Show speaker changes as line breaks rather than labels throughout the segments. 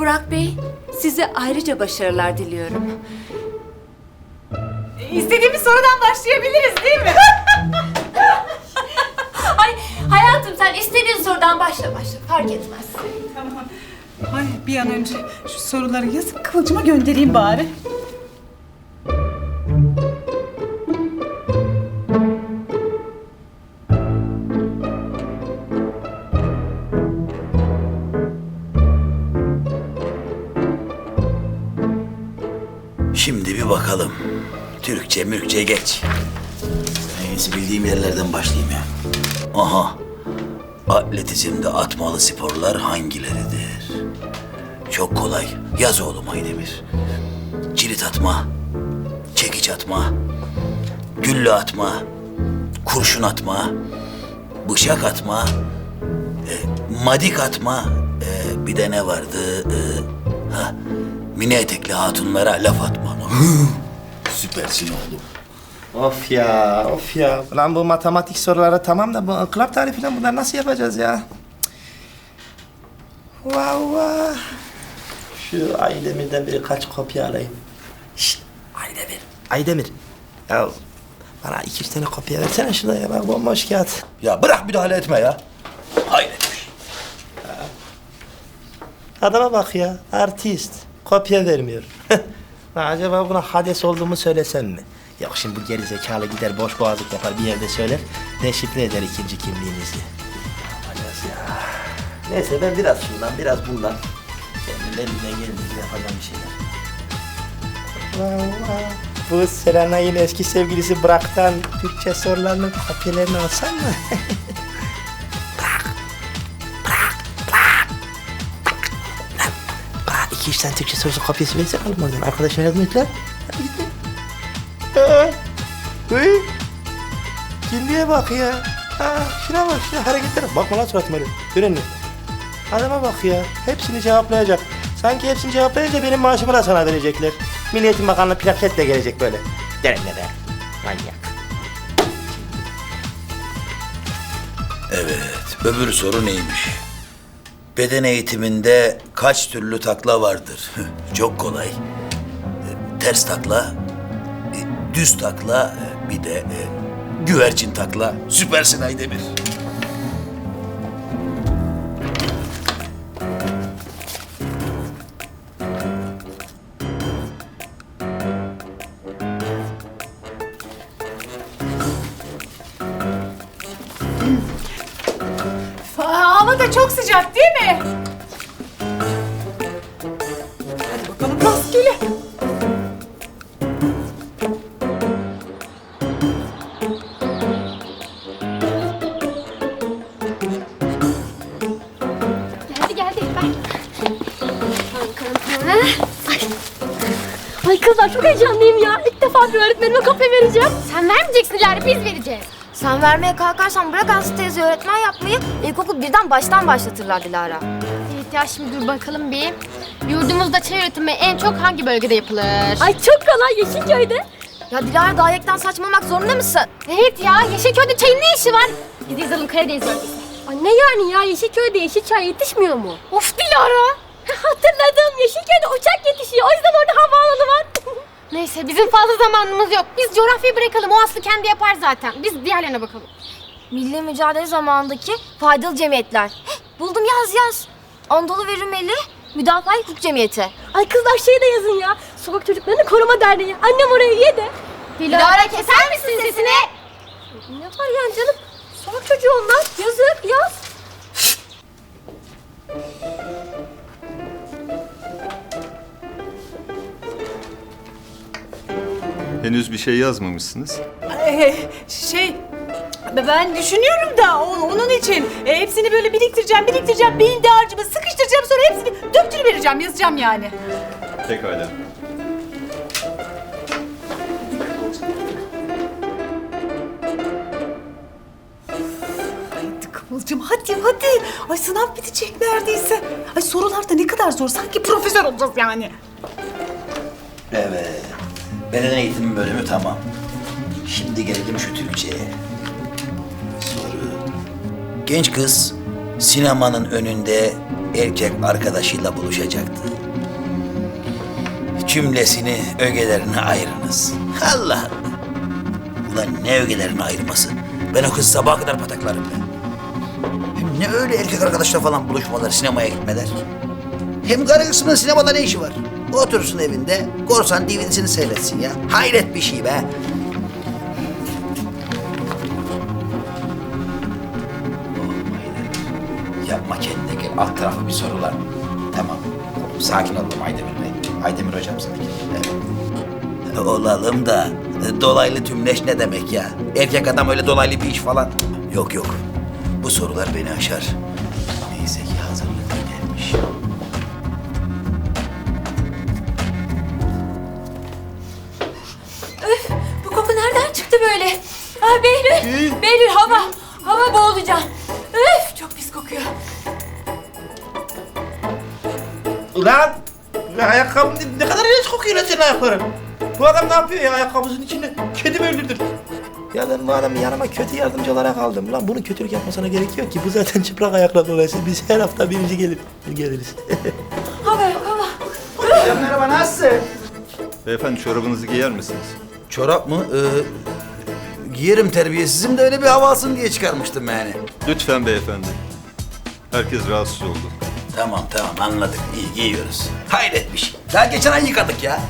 Burak Bey, size ayrıca başarılar diliyorum.
İstediğimiz sorudan başlayabiliriz değil mi?
Ay hayatım, sen istediğin sorudan başla fark etmez.
Tamam. Ay bir an önce şu soruları yazıp Kıvılcım'a göndereyim bari.
Şimdi bir bakalım. Türkçe mürkçe geç. En iyisi bildiğim yerlerden başlayayım ya. Aha. Atletizmde atmalı sporlar hangileridir? Çok kolay. Yaz oğlum Aydemir. Cirit atma, çekiç atma, gülle atma, kurşun atma, bıçak atma, madik atma, bir de ne vardı? Mini etekli hatunlara laf atma. Süpersin oğlum.
Of ya, of ya. Lan bu matematik soruları tamam da bu inkılap tarifi falan bunları nasıl yapacağız ya? Vah vah. Şu Aydemir'den birkaç kopya alayım. Şşt, Aydemir. Aydemir. Ya bana 2-3 tane kopya versene şuraya bak bomboş kağıt.
Ya bırak müdahale etme ya. Hayret.
Adama bak ya, artist. Kopya vermiyor. Lan acaba buna Hades olduğumu söylesem mi? Yok şimdi bu geri zekalı gider boş boğazlık yapar bir yerde söyler. Deşifre eder ikinci kimliğimizi. Hades ya. Neyse ben biraz şundan biraz bundan. Kendim elimden geldiğince yapacağım bir şeyler. Vallahi. Bu Serenay'ın eski sevgilisi Burak'tan Türkçe sorularının kopyalarını alsam mı? Bana 2-3 tane Türkçe sorusu kopyası versene oğlum oradan. Arkadaşlar yardım et lan. Hadi git lan. Uy. Kimliğe bak ya. Şuna bak, şuna hareketlere bak. Bakma lan suratıma öyle. Dön önüne. Adama bak ya. Hepsini cevaplayacak. Sanki hepsini cevaplayınca benim maaşımı da sana verecekler. Milli Eğitim Bakanlığı plaketle gelecek böyle. Deremle be. Manyak.
Evet, öbür soru neymiş? Beden eğitiminde kaç türlü takla vardır? Çok kolay. Ters takla, düz takla, bir de güvercin takla. Süpersin Aydemir.
Hava da çok sıcak değil mi? Hadi bakalım rastgele.
Geldi ben. Ay kızlar çok heyecanlıyım ya. İlk defa bir öğretmenime kopya vereceğim. Sen vermeyeceksin Dilara, biz vereceğiz.
Sen vermeye kalkarsan bırak Aslı teyze öğretmen yapmayı. İlkokul birden baştan başlatırlar Dilara.
Evet ya, şimdi dur bakalım bir. Yurdumuzda çay üretimi en çok hangi bölgede yapılır? Ay çok kolay, Yeşilköy'de.
Ya Dilara gayekten saçmalamak zorunda mısın?
Evet ya, Yeşilköy'de çayın ne işi var? Biz yazalım Karadeniz bölgesi. Ay ne yani ya, Yeşilköy'de yeşil çay yetişmiyor mu? Of Dilara! Hatırladım, Yeşilköy'de uçak yetişiyor. O yüzden orada havaalanı var. Neyse, bizim fazla zamanımız yok. Biz coğrafyayı bırakalım, o Aslı kendi yapar zaten. Biz diğerlerine bakalım.
Milli mücadele zamanındaki faydalı cemiyetler. Buldum, yaz. Anadolu ve Rumeli Müdafaa Hukuk Cemiyeti.
Ay kızlar şey de yazın ya. Sokak Çocuklarını Koruma Derneği. Annem oraya üye de.
Dilara keser misin sesini?
Ne var yani canım? Sokak çocuğu onlar. Yazık, yaz.
Henüz bir şey yazmamışsınız.
Ben düşünüyorum da onun için hepsini böyle biriktireceğim, beyin dağarcığıma sıkıştıracağım, sonra hepsini döktürüvereceğim, yazacağım yani.
Pekala.
Hadi Kıvılcım, hadi. Ay sınav bitecek neredeyse. Ay sorular da ne kadar zor, sanki profesör olacağız yani.
Evet, beden eğitimi bölümü tamam. Şimdi gelelim şu Türkçe'ye. Soru. Genç kız sinemanın önünde erkek arkadaşıyla buluşacaktı. Cümlesini ögelerine ayırınız. Allah Allah. Ulan ne ögelerine ayırması? Ben o kızı sabaha kadar pataklarım ben. Hem ne öyle erkek arkadaşla falan buluşmalar, sinemaya gitmeler? Hem karı kısmının sinemada ne işi var? Otursun evinde, korsan DVD'sini seyretsin ya. Hayret bir şey be. Yapma kendine gel. Alt tarafı bir sorular. Tamam. Sakin olalım Aydemir Bey. Aydemir hocam sakin. Evet. Olalım da dolaylı tümleş ne demek ya? Erkek adam öyle dolaylı bir iş falan. Yok yok. Bu sorular beni aşar. Neyse ki hazırlıklı gelmiş.
Öf, bu koku nereden çıktı böyle? Ay Behlül, Behlül hava boğulacağım. Öf, çok pis kokuyor.
Ulan! Ayakkabım ne kadar iğrenç kokuyor lan senin ayakların. Bu adam ne yapıyor ya ayakkabısının içinde? Kedi mi öldürdün? Ya ben bu adamı yanıma kötü yardımcı olarak aldım. Lan bunun kötülük yapmasına gerek yok ki. Bu zaten çıplak ayakla dolayısıyla biz her hafta birinci geliriz.
Hava yok hava.
Hocam merhaba, nasılsın?
Beyefendi çorabınızı giyer misiniz?
Çorap mı? Giyerim terbiyesizim de öyle bir hava alsın diye çıkarmıştım yani.
Lütfen beyefendi. Herkes rahatsız oldu.
Tamam anladık. İyi giyiyoruz. Hayret bir şey. Daha geçen ay yıkadık ya.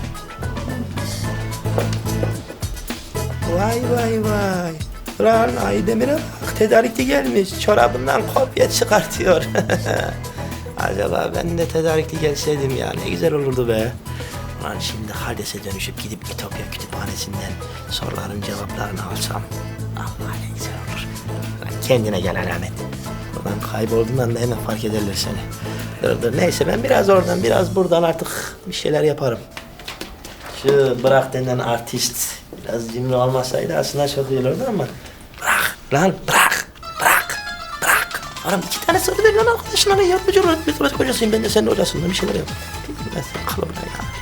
Vay. Lan Aydemir'e bak, tedarikli gelmiş. Çorabından kopya çıkartıyor. Acaba ben de tedarikli gelseydim ya, ne güzel olurdu be. Lan şimdi Hades'e dönüşüp gidip İtopya kütüphanesinden soruların cevaplarını alsam. Allah ne güzel olur. Lan kendine gel alamet. Buradan kaybolduğundan da hemen fark ederler seni. Dur neyse, ben biraz oradan biraz buradan artık bir şeyler yaparım. Şu bırak denen artist biraz cimri olmasaydı aslında çok iyi olurdu ama bırak lan, bırak. Oğlum 2 tane soru ver lan arkadaşına, ne yardımcı olur. Ben kocasıyım, ben de senin hocasından bir şeyler yap. Ben sen kal orada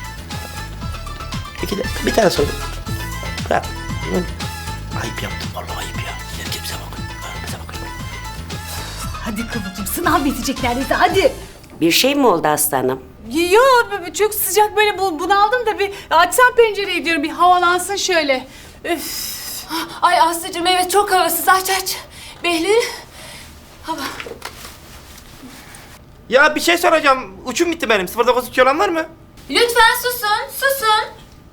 ya. Bir tane soru. Bırak. Ayıp yaptım vallahi, ayıp ya. Bize bakın.
Hadi Kıvılcım, sınav bitecek neredeyse, hadi.
Bir şey mi oldu aslanım?
Yok, çok sıcak böyle bunaldım da bir açsam pencereyi diyorum, bir havalansın şöyle. Üf.
Ay Aslı'cığım evet çok havasız aç. Behlül, hava.
Ya bir şey soracağım. Uçum bitti benim. 09 olan var mı?
Lütfen susun.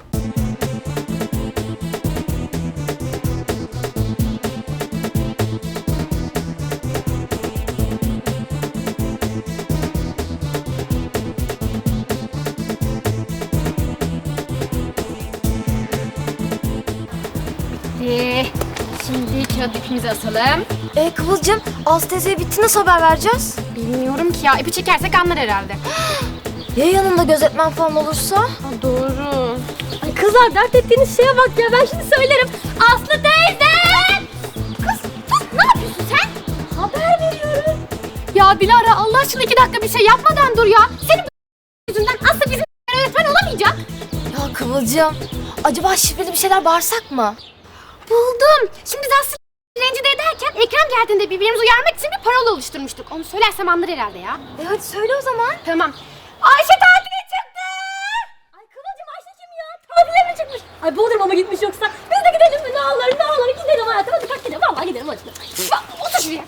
Şimdi kağıt ipimizi asalım.
Kıvılcım, Aslı teyzeye bitti, nasıl haber vereceğiz?
Bilmiyorum ki ya. İpi çekersek anlar herhalde.
Ya yanında gözetmen falan olursa?
Doğru. Ay kızlar, dert ettiğiniz şeye bak ya. Ben şimdi söylerim. Aslı teyze! Kız ne yapıyorsun sen? Haber veriyorum. Ya Dilara, Allah aşkına 2 dakika bir şey yapmadan dur ya. Senin yüzünden Aslı bizim öğretmen olamayacak.
Ya Kıvılcım, acaba şifreli bir şeyler bağırsak mı?
Buldum. Şimdi biz Aslı rencide ederken Ekrem geldiğinde birbirimizi uyarmak için bir parola oluşturmuştuk. Onu söylersem anlar herhalde ya.
Hadi söyle o zaman.
Tamam. Ayşe tatile çıktı. Ay Kıvılcım, Ayşe kim ya? Tatile mi çıkmış? Ay Bodrum'a mı gitmiş yoksa? Biz de gidelim mi? Ne olur gidelim hayatım. Hadi kalk gidelim. Vallahi gidelim hadi. Otur şuraya.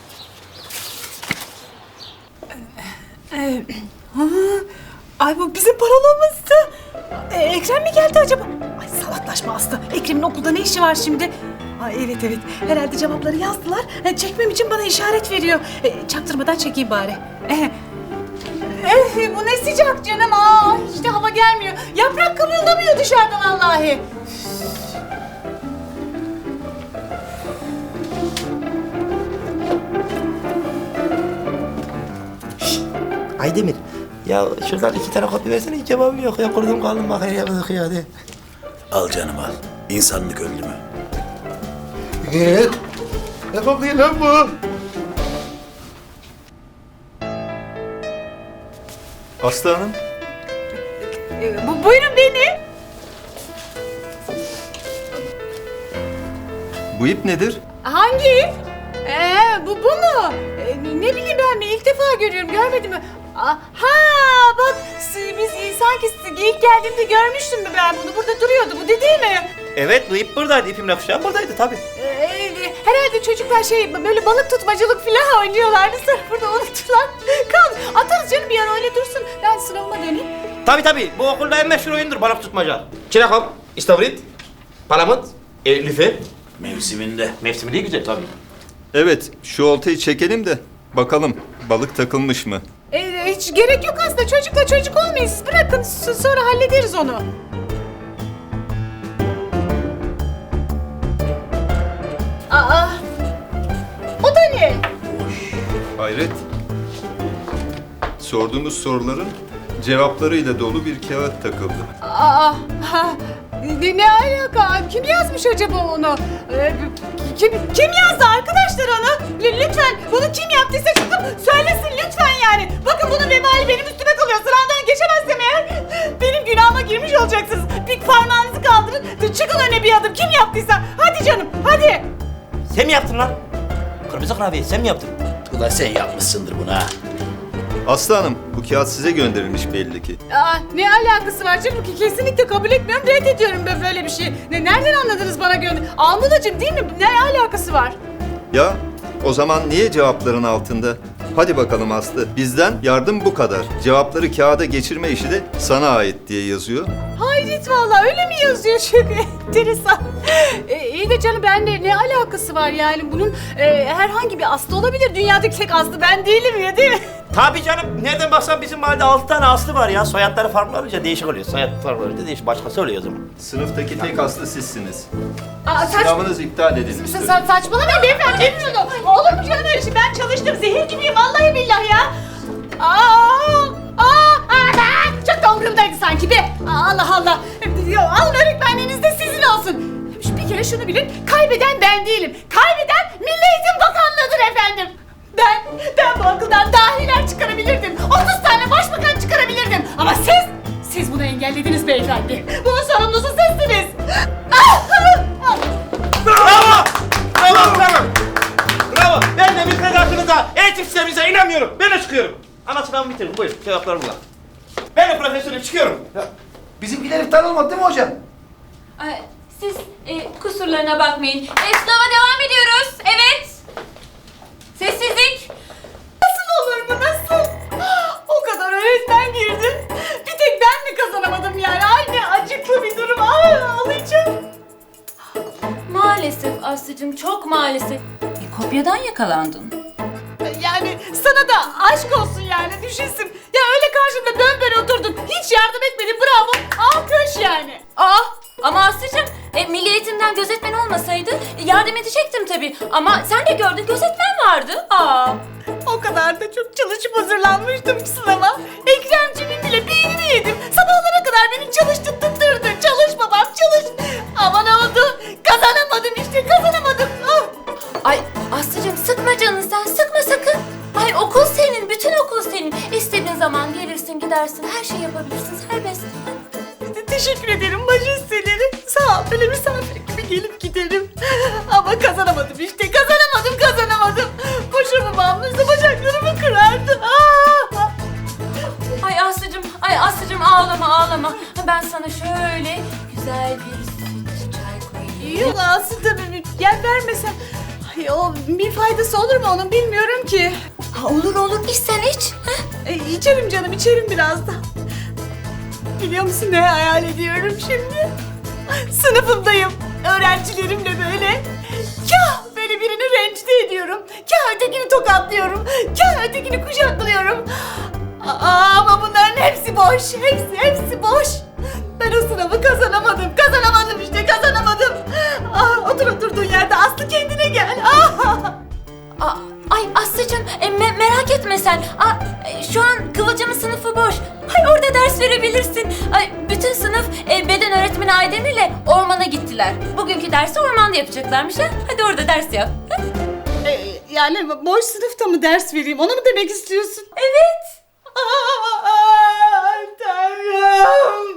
Ay bu bizim parolamızdı. Ekrem mi geldi acaba? Ay salaklaşma Aslı. Ekrem'in okulda ne işi var şimdi? Ay evet. Herhalde cevapları yazdılar. Çekmem için bana işaret veriyor. Çaktırmadan çekeyim bari. Bu ne sıcak canım. Hiç de hava gelmiyor. Yaprak kımıldamıyor dışarıda vallahi.
Aydemir, ya şuradan 2 tane kopya versene, hiç cevabım yok ya. Kurdum kaldım bak, her yapmadık ya, hadi.
Al canım al. İnsanlık öldü mü?
Ne kokuyor lan bu?
Aslı Hanım,
Buyurun beni.
bu ip nedir?
Hangi? Bu mu? Ne bileyim ben mi? İlk defa görüyorum, görmedim mi? Ha bak biz sanki ilk geldiğimde görmüştüm mü ben bunu? Burada duruyordu bu değil mi?
Evet, bu ip buradaydı. İpimle kuşağım buradaydı tabii.
Herhalde çocuklar böyle balık tutmacılık falan oynuyorlardı. Sonra burada unuttular. Kaldı. Atarız canım bir ara öyle dursun. Ben sınavıma döneyim.
Tabii. Bu okulda en meşhur oyundur balık tutmaca. Çinekop, istavrit, palamut, lüfer.
Mevsiminde.
Mevsimi değil güzel tabii.
Evet, şu oltayı çekelim de bakalım balık takılmış mı?
Hiç gerek yok aslında. Çocukla çocuk olmayın. Siz bırakın. Sonra hallederiz onu. Aa! O da ne?
Hayret. Sorduğumuz soruların cevaplarıyla dolu bir kağıt takıldı.
Ne alaka? Kim yazmış acaba onu? Kim yazdı arkadaşlar onu? Lütfen bunu kim yaptıysa çıkıp söylesin lütfen yani. Bakın bunun vebali benim üstüme kalıyor. Sınavdan geçemezsem eğer benim günahıma girmiş olacaksınız. Bir parmağınızı kaldırın. Çıkın öne bir adım. Kim yaptıysa. Hadi canım hadi.
Sen mi yaptın lan? Kırmızı kurabiye sen mi yaptın?
Ulan sen yapmışsındır bunu ha.
Aslı Hanım, bu kağıt size gönderilmiş belli ki.
Ne alakası var canım ki? Kesinlikle kabul etmiyorum. Reddediyorum ben böyle bir şey. Nereden anladınız bana gönder? Almudacığım değil mi? Ne alakası var?
Ya, o zaman niye cevapların altında? Hadi bakalım Aslı, bizden yardım bu kadar. Cevapları kağıda geçirme işi de sana ait diye yazıyor.
Hayret vallahi öyle mi yazıyor? Çok enteresan. İyi de canım benimle ne alakası var yani bunun herhangi bir Aslı olabilir. Dünyadaki tek Aslı ben değilim ya değil mi?
Tabii canım. Nereden baksan bizim mahallede 6 tane Aslı var ya. Soyadları farklı olunca değişik oluyor. Soyad farklı olunca değişik. Başkası oluyor o zaman.
Sınıftaki tek Aslı sizsiniz.
Saçma.
Sınavınız iptal edilmiştir.
Saçmalamayın beyefendi. Bilmiyorum. Olur mu canım öyle şey? Ben çalıştım. Zehir gibiyim vallahi billahi ya. Çok da umurumdaydı sanki be. Allah Allah. Alın öğretmenliğiniz de sizin olsun. Bir kere şunu bilin. Kaybeden ben değilim. Kaybeden Milli Eğitim Bakanlığı'dır efendim. Ben bu okuldan dahiler çıkarabilirdim. 30 tane başbakan çıkarabilirdim. Ama siz bunu engellediniz beyefendi. Bunun sorumlusu sizsiniz.
Bravo. Ben de müfredatınıza, eğitim sisteminize inanmıyorum. Ben de çıkıyorum. Ana sınavımı bitirdim. Buyurun. Cevaplarım burada. Ben de profesörüm. Çıkıyorum.
Bizimkiler iptal olmadı değil mi hocam?
Siz kusurlarına bakmayın. Sınava devam ediyoruz. Evet. Sessizlik.
Nasıl olur bu nasıl? O kadar öğretmen girdi. Bir tek ben mi kazanamadım yani? Ay ne acıklı bir durum. Ay ağlayacağım.
Maalesef Aslı'cığım çok maalesef. Kopyadan yakalandın.
Yani sana da aşk olsun yani düşünsün. Ya öyle karşımda böyle oturdun. Hiç yardım etmedin bravo. Alkış yani.
Ama Aslı'cığım milli eğitimden gözetmen olmasaydı yardım edecektim tabii. Ama sen de gördün gözetmen vardı.
O kadar da çok çalışıp hazırlanmıştım ki sınava. Ekremcimin bile beynini yedim. Sabahlara kadar beni çalıştırdı. Çalış babam çalış. Ama ne oldu? Kazanamadım işte kazanamadım.
Ay Aslı'cığım sıkma canını sen sıkma sakın. Ay okul senin bütün okul senin. İstediğin zaman gelirsin gidersin her şey yapabilirsin serbest.
Teşekkür ederim majesteleri. Sağ ol böyle misafir gibi gelip giderim. Ama kazanamadım işte kazanamadım. Boşuna bağımlıysa bacaklarımı kırardı.
Ay Aslı'cığım ağlama. Ben sana şöyle güzel bir süt çay koyayım.
Yok aslında gel vermesen. Ay, o bir faydası olur mu onun bilmiyorum ki.
Olur iç sen iç.
İçerim canım içerim biraz da. Biliyor musun ne hayal ediyorum şimdi? Sınıfımdayım. Öğrencilerimle böyle. Kah böyle birini rencide ediyorum. Kah ötekini tokatlıyorum. Kah ötekini kucaklıyorum. Ama bunların hepsi boş. Hepsi boş. Ben o sınavı kazanamadım. Kazanamadım işte kazanamadım. Otur oturduğun yerde Aslı kendine gel.
Ay Aslı'cığım merak etme sen. Şu an Kıvılcım'ın sınıfı boş. Ay orada ders verebilirsin. Ay bütün sınıf beden öğretmeni Aydın ile ormana gittiler. Bugünkü dersi ormanda yapacaklarmış ha. Hadi orada ders yap.
Yani boş sınıfta mı ders vereyim? Onu mu demek istiyorsun?
Evet.
Tanrım.